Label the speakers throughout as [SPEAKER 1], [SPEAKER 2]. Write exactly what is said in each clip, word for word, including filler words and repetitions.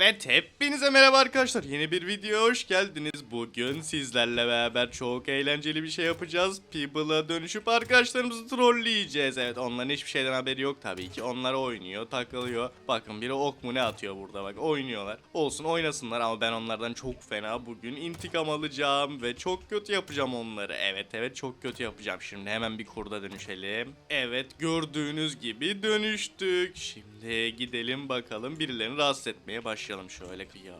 [SPEAKER 1] Evet, hepinize merhaba arkadaşlar. Yeni bir videoya hoş geldiniz. Bugün sizlerle beraber çok eğlenceli bir şey yapacağız. People'a dönüşüp arkadaşlarımızı trolleyeceğiz. Evet, onların hiçbir şeyden haberi yok tabii ki. Onlar oynuyor, takılıyor. Bakın biri ok mu ne atıyor burada, bak oynuyorlar. Olsun, oynasınlar ama ben onlardan çok fena bugün intikam alacağım ve çok kötü yapacağım onları. Evet evet, çok kötü yapacağım. Şimdi hemen bir kurda dönüşelim. Evet, gördüğünüz gibi dönüştük. Şimdi gidelim bakalım, birilerini rahatsız etmeye başlayalım. Şöyle kıyı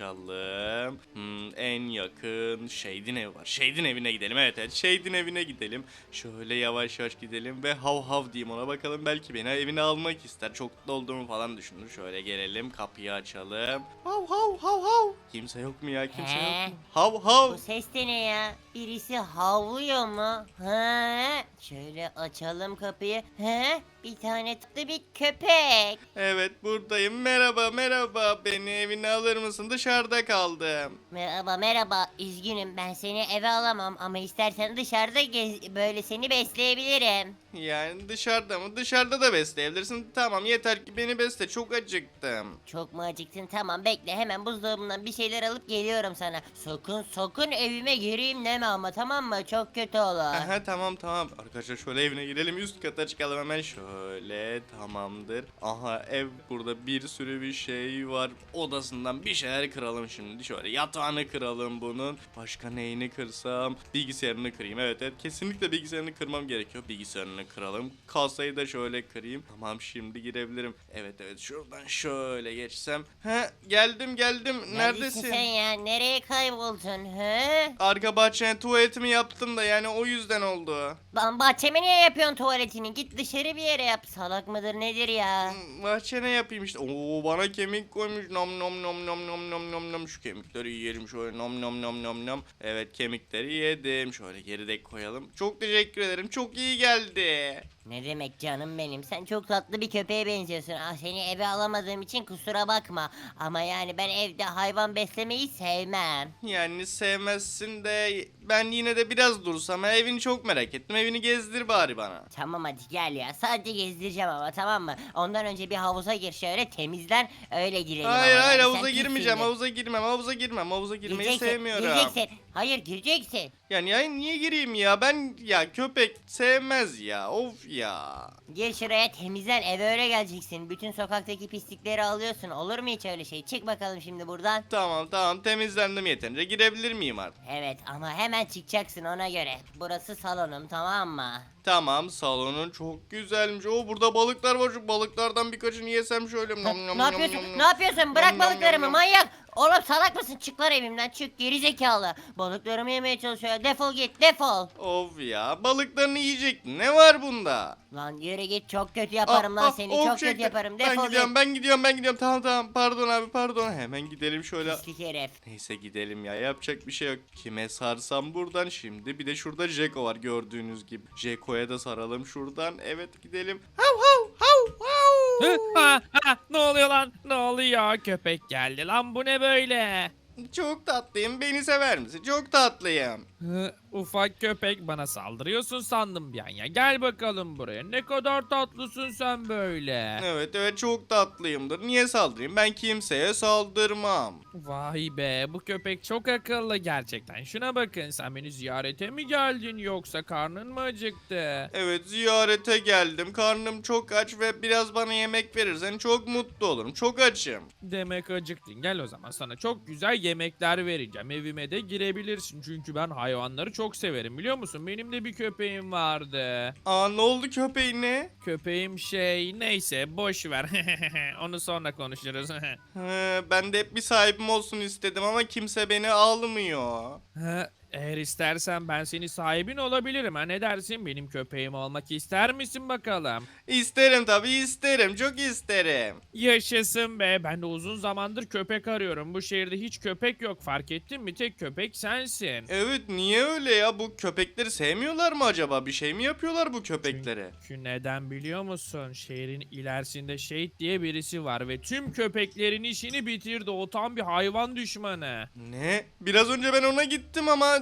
[SPEAKER 1] açalım. Hmm, en yakın Shade'in evi var. Shade'in evine gidelim. Evet evet, Shade'in evine gidelim. Şöyle yavaş yavaş gidelim ve hav hav diyeyim ona, bakalım belki beni evine almak ister. Çok mutlu olduğumu falan düşünür. Şöyle gelelim, kapıyı açalım. Hav hav hav hav. Kimse yok mu ya, kimse
[SPEAKER 2] He?
[SPEAKER 1] yok mu? Hav hav.
[SPEAKER 2] Bu ses de ne ya? Birisi havlıyor mu? He? Şöyle açalım kapıyı. He? Bir tane tatlı bir köpek.
[SPEAKER 1] Evet, buradayım. Merhaba merhaba. Beni evine alır mısın? Dışarıda kaldım.
[SPEAKER 2] Merhaba merhaba. Üzgünüm, ben seni eve alamam ama istersen dışarıda gez, böyle seni besleyebilirim.
[SPEAKER 1] Yani dışarıda mı? Dışarıda da besleyebilirsin. Tamam, yeter ki beni besle. Çok acıktım.
[SPEAKER 2] Çok mu acıktın? Tamam, bekle, hemen buzdolabından bir şeyler alıp geliyorum sana. Sakın sakın evime gireyim deme ama, tamam mı? Çok kötü olur.
[SPEAKER 1] Aha, tamam tamam. Arkadaşlar şöyle evine girelim. Üst kata çıkalım hemen. Şöyle, tamamdır. Aha, ev burada bir sürü bir şey var. Odasından bir şeyler kıralım şimdi. Şöyle yatağını kıralım bunun. Başka neyini kırsam? Bilgisayarını kırayım. Evet evet, kesinlikle bilgisayarını kırmam gerekiyor. Bilgisayarını kıralım. Kasayı da şöyle kırayım. Tamam, şimdi girebilirim. Evet evet, şuradan şöyle geçsem. He, geldim geldim. Neredesin?
[SPEAKER 2] sen ya? Nereye kayboldun? He?
[SPEAKER 1] Arka bahçeye tuvaletimi yaptım da yani o yüzden oldu.
[SPEAKER 2] Lan bahçeme niye yapıyorsun tuvaletini? Git dışarı bir yere yap. Salak mıdır nedir ya?
[SPEAKER 1] Hmm, Bahçene yapayım işte. Oo, bana kemik koymuş. Nom nom nom nom nom nom nom nom. Şu kemikleri yiyelim şöyle. Nom nom nom nom nom. Evet, kemikleri yedim. Şöyle geride koyalım. Çok teşekkür ederim. Çok iyi geldi.
[SPEAKER 2] Ne demek canım benim? Sen çok tatlı bir köpeğe benziyorsun. Ah, seni eve alamadığım için kusura bakma. Ama yani ben evde hayvan beslemeyi sevmem.
[SPEAKER 1] Yani sevmezsin de ben yine de biraz dursam. Ha, evini çok merak ettim. Evini gezdir bari bana.
[SPEAKER 2] Tamam, hadi gel ya. Sadece gezdireceğim ama, tamam mı? Ondan önce bir havuza gir, şöyle temizlen, öyle girelim.
[SPEAKER 1] Hayır
[SPEAKER 2] ama
[SPEAKER 1] hayır,
[SPEAKER 2] yani.
[SPEAKER 1] havuza
[SPEAKER 2] Sen
[SPEAKER 1] girmeyeceğim.
[SPEAKER 2] pissindir.
[SPEAKER 1] Havuza girmem. Havuza girmem. Havuza girmeyi
[SPEAKER 2] Gireceksin,
[SPEAKER 1] sevmiyorum.
[SPEAKER 2] gireceksin. Hayır, gireceksin.
[SPEAKER 1] Yani ya niye gireyim ya? Ben ya köpek sevmez ya. Of ya.
[SPEAKER 2] Gir şuraya, temizlen, eve öyle geleceksin. Bütün sokaktaki pislikleri alıyorsun. Olur mu hiç öyle şey? Çık bakalım şimdi buradan.
[SPEAKER 1] Tamam tamam, temizlendim yeterince. Girebilir miyim artık?
[SPEAKER 2] Evet, ama hemen çıkacaksın ona göre. Burası salonum, tamam mı?
[SPEAKER 1] Tamam, salonun çok güzelmiş. O burada balıklar var. Şu balıklardan birkaçını yesem şöyle.
[SPEAKER 2] Ha,
[SPEAKER 1] Nom nom
[SPEAKER 2] ne
[SPEAKER 1] nom
[SPEAKER 2] yapıyorsun?
[SPEAKER 1] nom nom.
[SPEAKER 2] Ne yapıyorsun? Bırak
[SPEAKER 1] Nom nom
[SPEAKER 2] balıklarımı,
[SPEAKER 1] nom nom.
[SPEAKER 2] manyak. Oğlum salak mısın? Çık lan evimden, çık, geri zekalı. Balıklarımı yemeye çalışıyor. Defol git, defol.
[SPEAKER 1] Of ya, balıklarını yiyecektin. Ne var bunda?
[SPEAKER 2] Lan yürü git, çok kötü yaparım
[SPEAKER 1] Ah,
[SPEAKER 2] lan
[SPEAKER 1] ah,
[SPEAKER 2] seni.
[SPEAKER 1] of
[SPEAKER 2] Çok
[SPEAKER 1] çekti.
[SPEAKER 2] kötü yaparım.
[SPEAKER 1] Ben
[SPEAKER 2] Defol
[SPEAKER 1] gidiyorum,
[SPEAKER 2] git.
[SPEAKER 1] ben gidiyorum, ben gidiyorum. Tamam tamam, pardon abi, pardon. Hemen gidelim şöyle.
[SPEAKER 2] Pislik herif.
[SPEAKER 1] Neyse, gidelim ya, yapacak bir şey yok. Kime sarsam buradan şimdi. Bir de şurada Jeko var gördüğünüz gibi. Jeko'ya da saralım şuradan. Evet, gidelim. Hav hav hav hav.
[SPEAKER 3] Ha, ha, ne oluyor lan? Ne oluyor? Köpek geldi lan, bu ne böyle?
[SPEAKER 1] Çok tatlıyım. Beni sever misin? Çok tatlıyım.
[SPEAKER 3] Hı, ufak köpek, bana saldırıyorsun sandım bir an ya. Gel bakalım buraya. Ne kadar tatlısın sen böyle.
[SPEAKER 1] Evet evet, çok tatlıyımdır. Niye saldırayım? Ben kimseye saldırmam.
[SPEAKER 3] Vay be, bu köpek çok akıllı gerçekten. Şuna bakın, sen beni ziyarete mi geldin yoksa karnın mı acıktı?
[SPEAKER 1] Evet, ziyarete geldim. Karnım çok aç ve biraz bana yemek verirsen çok mutlu olurum. Çok açım.
[SPEAKER 3] Demek acıktın. Gel o zaman, sana çok güzel yemekler vereceğim. Evime de girebilirsin çünkü ben hayvanları çok severim, biliyor musun? Benim de bir köpeğim vardı.
[SPEAKER 1] Aa, ne oldu köpeğine?
[SPEAKER 3] Köpeğim şey, neyse boş ver. Onu sonra konuşuruz.
[SPEAKER 1] He, ben de hep bir sahibim olsun istedim ama kimse beni almıyor.
[SPEAKER 3] Ha, eğer istersen ben senin sahibin olabilirim. Ha, ne dersin? Benim köpeğim olmak ister misin bakalım?
[SPEAKER 1] İsterim tabii, isterim. Çok isterim.
[SPEAKER 3] Yaşasın be. Ben de uzun zamandır köpek arıyorum. Bu şehirde hiç köpek yok, fark ettin mi? Tek köpek sensin.
[SPEAKER 1] Evet, niye öyle ya? Bu köpekleri sevmiyorlar mı acaba? Bir şey mi yapıyorlar bu köpeklere?
[SPEAKER 3] Çünkü neden biliyor musun? Şehrin ilerisinde Shade diye birisi var ve tüm köpeklerin işini bitirdi. O tam bir hayvan düşmanı.
[SPEAKER 1] Ne? Biraz önce ben ona gittim ama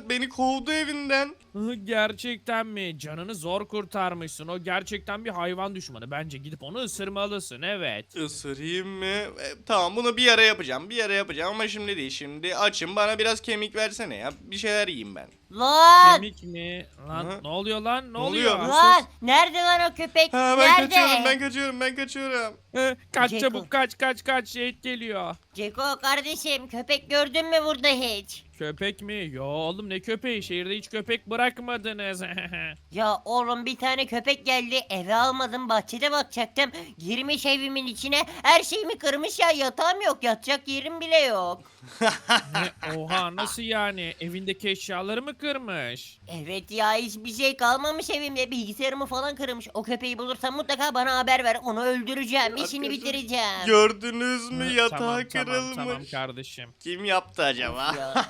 [SPEAKER 1] Vedat beni kovdu evinden.
[SPEAKER 3] Hı, gerçekten mi? Canını zor kurtarmışsın. O gerçekten bir hayvan düşmanı. Bence gidip onu ısırmalısın, evet.
[SPEAKER 1] Isırayım mı? E, tamam bunu bir ara yapacağım. Bir ara yapacağım ama şimdi değil. Şimdi açım, bana biraz kemik versene ya. Bir şeyler yiyeyim ben.
[SPEAKER 2] Lan!
[SPEAKER 3] Kemik mi? Lan
[SPEAKER 1] Hı?
[SPEAKER 3] ne oluyor lan? Ne
[SPEAKER 1] Ne
[SPEAKER 3] oluyor?
[SPEAKER 1] oluyor?
[SPEAKER 2] Lan! Nerede lan o köpek?
[SPEAKER 1] Ha, ben
[SPEAKER 2] Nerede?
[SPEAKER 1] kaçıyorum ben kaçıyorum ben kaçıyorum.
[SPEAKER 3] Hı, kaç
[SPEAKER 2] Ceko.
[SPEAKER 3] çabuk kaç kaç kaç şehit geliyor.
[SPEAKER 2] Ceko kardeşim köpek gördün mü burada hiç?
[SPEAKER 3] Köpek mi? Yo oğlum ne köpeği? Şehirde hiç köpek bırakmadınız.
[SPEAKER 2] Ya oğlum bir tane köpek geldi eve almadım bahçede bakacaktım. Girmiş evimin içine her şeyimi kırmış ya yatağım yok yatacak yerim bile yok.
[SPEAKER 3] Ne? Oha nasıl yani? Evindeki eşyaları mı kırmış?
[SPEAKER 2] Evet ya hiçbir şey kalmamış evimde bilgisayarımı falan kırmış. O köpeği bulursam mutlaka bana haber ver onu öldüreceğim işini
[SPEAKER 1] Arkadaşlar,
[SPEAKER 2] bitireceğim.
[SPEAKER 1] Gördünüz mü,
[SPEAKER 3] Hı,
[SPEAKER 1] yatağı
[SPEAKER 3] tamam,
[SPEAKER 1] kırılmış.
[SPEAKER 3] Tamam, tamam kardeşim.
[SPEAKER 1] Kim yaptı acaba?
[SPEAKER 2] Of ya.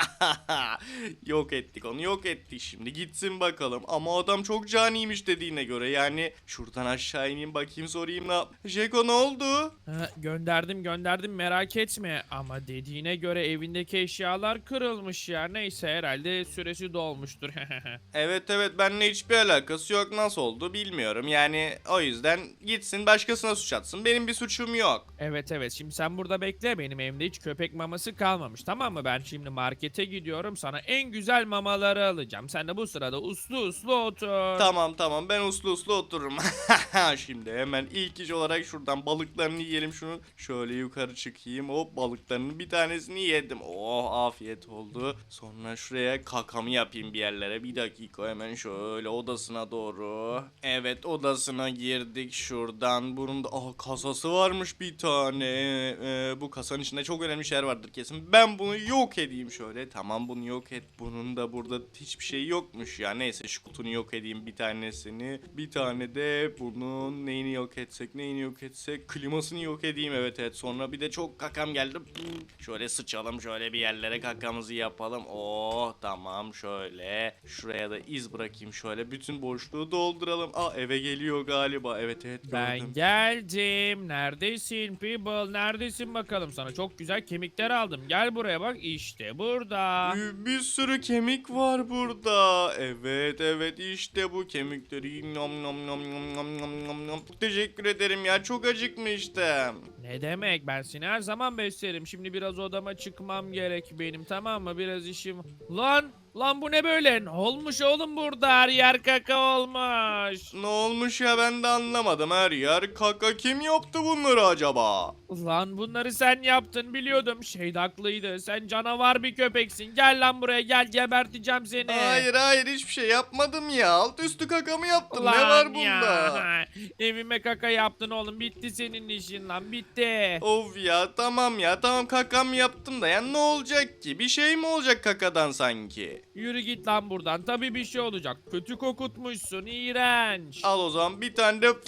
[SPEAKER 1] Yok ettik onu, yok ettik, şimdi gitsin bakalım. Ama adam çok caniymiş dediğine göre, yani şuradan aşağı ineyim bakayım, sorayım ne yap. Jeko ne oldu?
[SPEAKER 3] Ha, gönderdim gönderdim merak etme ama dediğine göre evindeki eşyalar kırılmış ya. Neyse herhalde süresi dolmuştur.
[SPEAKER 1] Evet evet, benimle hiçbir alakası yok, nasıl oldu bilmiyorum. Yani o yüzden gitsin başkasına suç atsın, benim bir suçum yok.
[SPEAKER 3] Evet evet şimdi sen burada bekle, benim evimde hiç köpek maması kalmamış, tamam mı? Ben şimdi markete gidiyorum, sana en güzel mamaları alacağım. Sen de bu sırada uslu uslu otur.
[SPEAKER 1] Tamam tamam, ben uslu uslu otururum. Şimdi hemen ilk iş olarak şuradan balıklarını yiyelim şunu. Şöyle yukarı çıkayım, hop balıklarının bir tanesini yedim. Oh afiyet oldu. Sonra şuraya kakamı yapayım bir yerlere. Bir dakika, hemen şöyle odasına doğru. Evet odasına girdik şuradan. Bunun da ah, kasası varmış bir tane. Ee, bu kasanın içinde çok önemli şeyler vardır kesin. Ben bunu yok edeyim şöyle. Tamam bunu yok et. Bunun da burada hiçbir şey yokmuş ya. Neyse şu kutunu yok edeyim bir tanesini. Bir tane de bunun neyini yok etsek neyini yok etsek. Klimasını yok edeyim, evet evet. Sonra bir de çok kakam geldi. Şöyle sıçalım şöyle bir yerlere, kakamızı yapalım. Oh tamam, şöyle. Şuraya da iz bırakayım şöyle. Bütün boşluğu dolduralım. Aa eve geliyor galiba. Evet evet gördüm.
[SPEAKER 3] Ben geldim. Neredesin people? Neredesin bakalım? Sana çok güzel kemikler aldım. Gel buraya bak. İşte burada.
[SPEAKER 1] Bir, bir sürü kemik var burada. Evet evet, işte bu kemikleri. Nom nom nom nom nom nom nom nom. Teşekkür ederim ya, çok acıkmıştım.
[SPEAKER 3] Ne demek? Ben seni her zaman beslerim. Şimdi biraz odama çıkmam gerek benim, tamam mı? Biraz işim. Lan! Lan bu ne böyle? Ne olmuş oğlum burada? Her yer kaka olmuş.
[SPEAKER 1] Ne olmuş ya, ben de anlamadım, her yer kaka. Kim yaptı bunları acaba?
[SPEAKER 3] Lan bunları sen yaptın biliyordum. Şey de haklıydı. Sen canavar bir köpeksin. Gel lan buraya gel, geberteceğim seni.
[SPEAKER 1] Hayır hayır, hiçbir şey yapmadım ya. Alt üstü kakamı yaptım. Ne
[SPEAKER 3] Lan
[SPEAKER 1] var
[SPEAKER 3] ya.
[SPEAKER 1] bunda?
[SPEAKER 3] Evime kaka yaptın oğlum. Bitti senin işin lan, bitti.
[SPEAKER 1] Of ya, tamam ya tamam, kakam yaptım da ya ne olacak ki? Bir şey mi olacak kakadan sanki?
[SPEAKER 3] Yürü git lan buradan. Tabii bir şey olacak. Kötü kokutmuşsun. İğrenç.
[SPEAKER 1] Al o zaman bir tane de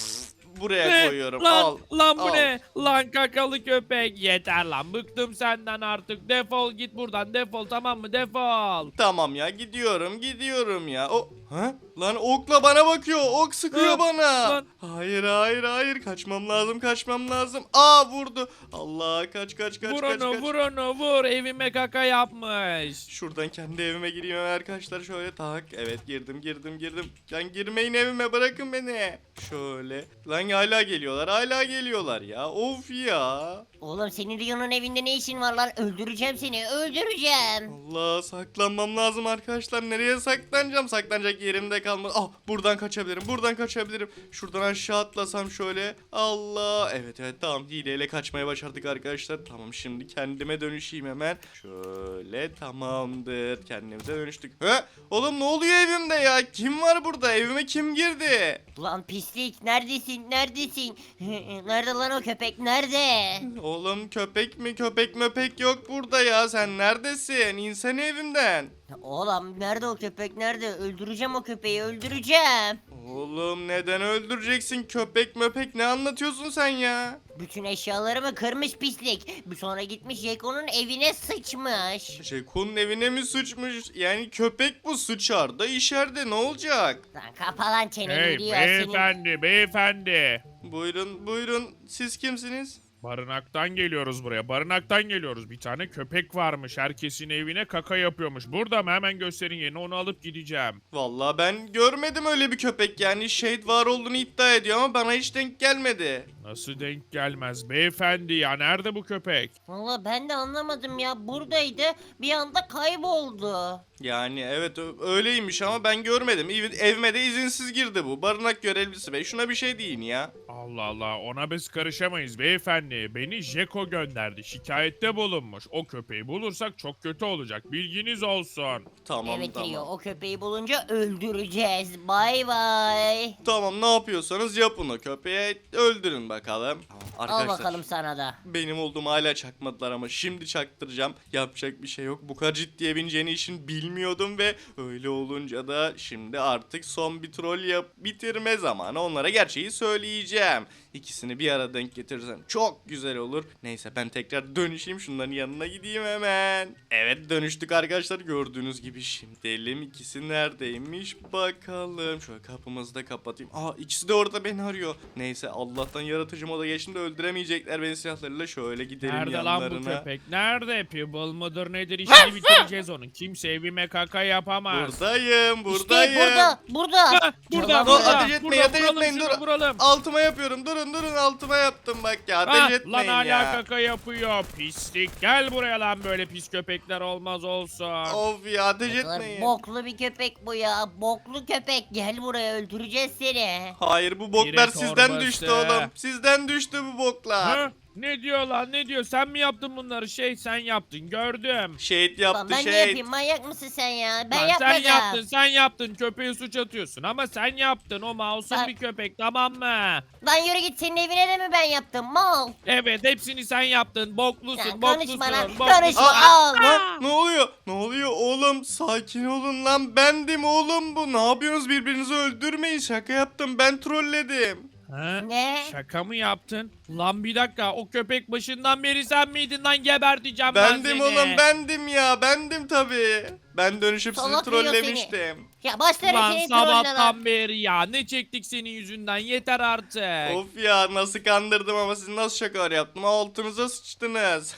[SPEAKER 1] buraya
[SPEAKER 3] Ne?
[SPEAKER 1] koyuyorum.
[SPEAKER 3] Lan,
[SPEAKER 1] Al.
[SPEAKER 3] lan bu
[SPEAKER 1] al.
[SPEAKER 3] ne? Lan kakalı köpek. Yeter lan. Bıktım senden artık. Defol git buradan. Defol, tamam mı? Defol.
[SPEAKER 1] Tamam ya, gidiyorum gidiyorum ya. O ha? Lan okla bana bakıyor. Ok sıkıyor
[SPEAKER 3] Hı,
[SPEAKER 1] bana.
[SPEAKER 3] lan.
[SPEAKER 1] Hayır hayır hayır, kaçmam lazım kaçmam lazım. Aa vurdu. Allah, kaç kaç kaç
[SPEAKER 3] Vur
[SPEAKER 1] kaç
[SPEAKER 3] onu,
[SPEAKER 1] kaç.
[SPEAKER 3] vur onu, vur. Evime kaka yapmış.
[SPEAKER 1] Şuradan kendi evime gireyim hemen arkadaşlar, şöyle tak. Evet girdim girdim girdim. Lan girmeyin evime, bırakın beni. Şöyle. Lan hala geliyorlar hala geliyorlar ya. Of ya.
[SPEAKER 2] Oğlum senin Rio'nun evinde ne işin var lan öldüreceğim seni öldüreceğim.
[SPEAKER 1] Allah, saklanmam lazım arkadaşlar. Nereye saklanacağım? Saklanacak yerim de kalmadı. Ah, buradan kaçabilirim. Buradan kaçabilirim. Şuradan aşağı atlasam şöyle. Allah. Evet evet, tamam, hileyle kaçmaya başardık arkadaşlar. Tamam, şimdi kendime dönüşeyim hemen. Şöyle, tamamdır. Kendimize dönüştük. He? Oğlum ne oluyor evimde ya? Kim var burada? Evime kim girdi?
[SPEAKER 2] Lan pislik neredesin neredesin? Nerede lan o köpek nerede?
[SPEAKER 1] Oğlum köpek mi? Köpek möpek yok burada ya. Sen neredesin? İnsene evimden.
[SPEAKER 2] Oğlum nerede o köpek nerede? Öldüreceğim o köpeği öldüreceğim.
[SPEAKER 1] Oğlum neden öldüreceksin? Köpek möpek ne anlatıyorsun sen ya?
[SPEAKER 2] Bütün eşyalarımı kırmış pislik. Bir sonra gitmiş Jeko'nun evine sıçmış.
[SPEAKER 1] Jeko'nun evine mi sıçmış? Yani köpek bu, sıçar da işer de ne olacak?
[SPEAKER 2] Lan kapa lan çeneni
[SPEAKER 3] Hey
[SPEAKER 2] diyor senin.
[SPEAKER 3] beyefendi, beyefendi.
[SPEAKER 1] Buyurun buyurun, siz kimsiniz?
[SPEAKER 3] Barınaktan geliyoruz buraya. Barınaktan geliyoruz. Bir tane köpek varmış. Herkesin evine kaka yapıyormuş. Burada mı? Hemen gösterin yerini. Onu alıp gideceğim.
[SPEAKER 1] Vallahi ben görmedim öyle bir köpek, yani Shade var olduğunu iddia ediyor ama bana hiç denk gelmedi.
[SPEAKER 3] Nasıl denk gelmez beyefendi ya? Nerede bu köpek?
[SPEAKER 2] Valla ben de anlamadım ya. Buradaydı. Bir anda kayboldu.
[SPEAKER 1] Yani evet ö- öyleymiş ama ben görmedim. Ev- Evime de izinsiz girdi bu. Barınak görevlisi bey, şuna bir şey deyin ya.
[SPEAKER 3] Allah Allah, ona biz karışamayız beyefendi. Beni Jeko gönderdi. Şikayette bulunmuş. O köpeği bulursak çok kötü olacak. Bilginiz olsun.
[SPEAKER 1] Tamam
[SPEAKER 2] Evet
[SPEAKER 1] tamam.
[SPEAKER 2] Rio, o köpeği bulunca öldüreceğiz. Bay bay.
[SPEAKER 1] Tamam, ne yapıyorsanız yapın, o köpeği öldürün bakalım. Tamam,
[SPEAKER 2] Al
[SPEAKER 1] arkadaşlar.
[SPEAKER 2] bakalım sana da.
[SPEAKER 1] Benim olduğumu hala çakmadılar ama şimdi çaktıracağım. Yapacak bir şey yok. Bu kadar ciddiye bineceğini işin bilmiyordum ve öyle olunca da şimdi artık son bir troll yap bitirme zamanı. Onlara gerçeği söyleyeceğim. İkisini bir arada denk getirirsem çok güzel olur. Neyse, ben tekrar dönüşeyim, şunların yanına gideyim hemen. Evet, dönüştük arkadaşlar, gördüğünüz gibi. Şimdi elim ikisi neredeymiş bakalım. Şöyle kapımızı da kapatayım. Aa, ikisi de orada beni arıyor. Neyse, Allah'tan yaratıcı moda geçtim de öldüremeyecekler beni silahlarıyla. Şöyle gidelim
[SPEAKER 3] Nerede
[SPEAKER 1] yanlarına.
[SPEAKER 3] lan bu köpek? Nerede? Pibble mıdır nedir? İşini bitireceğiz onun. Kimse evime kaka yapamaz.
[SPEAKER 1] Buradayım, buradayım.
[SPEAKER 2] İşte burada, burada.
[SPEAKER 3] Ha, burada,
[SPEAKER 2] Yalan
[SPEAKER 1] Dur,
[SPEAKER 3] burada,
[SPEAKER 1] ateş etmeyin,
[SPEAKER 3] burada,
[SPEAKER 1] ateş
[SPEAKER 3] vuralım
[SPEAKER 1] etmeyin,
[SPEAKER 3] şunu,
[SPEAKER 1] dur.
[SPEAKER 3] vuralım.
[SPEAKER 1] Altıma yapıyorum. Durun durun, altıma yaptım bak ya. Ateş
[SPEAKER 3] Ha, lan
[SPEAKER 1] etmeyin
[SPEAKER 3] hala
[SPEAKER 1] ya.
[SPEAKER 3] kaka yapıyor. Pislik. Gel buraya lan, böyle pis köpekler olmaz olsun.
[SPEAKER 1] Of ya, ateş
[SPEAKER 2] Ne kadar
[SPEAKER 1] etmeyin.
[SPEAKER 2] boklu bir köpek bu ya. Boklu köpek. Gel buraya, öldüreceğiz seni.
[SPEAKER 1] Hayır, bu boklar
[SPEAKER 3] Direkt
[SPEAKER 1] sizden
[SPEAKER 3] torbası.
[SPEAKER 1] düştü oğlum. Sizden düştü bu boklar.
[SPEAKER 3] Ha? Ne diyor lan, ne diyor? Sen mi yaptın bunları? Şey, sen yaptın, gördüm.
[SPEAKER 1] Şehit
[SPEAKER 2] Lan
[SPEAKER 1] yaptı,
[SPEAKER 2] ben ne
[SPEAKER 1] şehit.
[SPEAKER 2] yapayım? Manyak mısın sen ya? Ben
[SPEAKER 3] Lan
[SPEAKER 2] yapmadım.
[SPEAKER 3] sen yaptın, sen yaptın. Köpeğe suç atıyorsun ama sen yaptın. O masum
[SPEAKER 2] Ben-
[SPEAKER 3] bir köpek, tamam mı?
[SPEAKER 2] Lan yürü git, senin evine de mi ben yaptım? Mal.
[SPEAKER 3] Evet, hepsini sen yaptın. Boklusun,
[SPEAKER 2] Ya
[SPEAKER 3] boklusun.
[SPEAKER 2] konuşma lan,
[SPEAKER 3] boklusun.
[SPEAKER 2] konuşma.
[SPEAKER 1] Aa,
[SPEAKER 2] Al.
[SPEAKER 1] Lan, ne oluyor? Ne oluyor oğlum? Sakin olun lan. Bendim oğlum bu. Ne yapıyorsunuz? Birbirinizi öldürmeyin. Şaka yaptım. Ben trolledim.
[SPEAKER 3] Ha?
[SPEAKER 2] Ne?
[SPEAKER 3] Şaka mı yaptın? Lan bir dakika, o köpek başından beri sen miydin lan? Geberteceğim ben
[SPEAKER 1] Bendim
[SPEAKER 3] seni.
[SPEAKER 1] oğlum. Bendim ya. Bendim tabii. Ben dönüşüp sizi
[SPEAKER 2] Salak diyor
[SPEAKER 1] trollemiştim.
[SPEAKER 2] Ya başlarım
[SPEAKER 3] Lan
[SPEAKER 2] seni trollüne lan.
[SPEAKER 3] sabahtan beri ya, ne çektik senin yüzünden, yeter artık.
[SPEAKER 1] Of ya, nasıl kandırdım ama siz nasıl şakalar yaptım? Altınıza sıçtınız.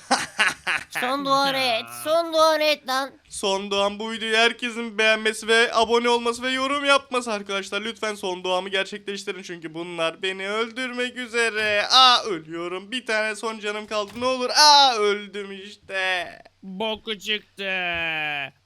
[SPEAKER 2] Son duanı et. Son duanı et lan.
[SPEAKER 1] Son doğan bu videoyu herkesin beğenmesi ve abone olması ve yorum yapması arkadaşlar. Lütfen son doğamı gerçekleştirin çünkü bunlar beni öldürmek üzere. Aa, ölüyorum. Bir tane son canım kaldı. Ne olur. Aa, öldüm işte.
[SPEAKER 3] Boku çıktı.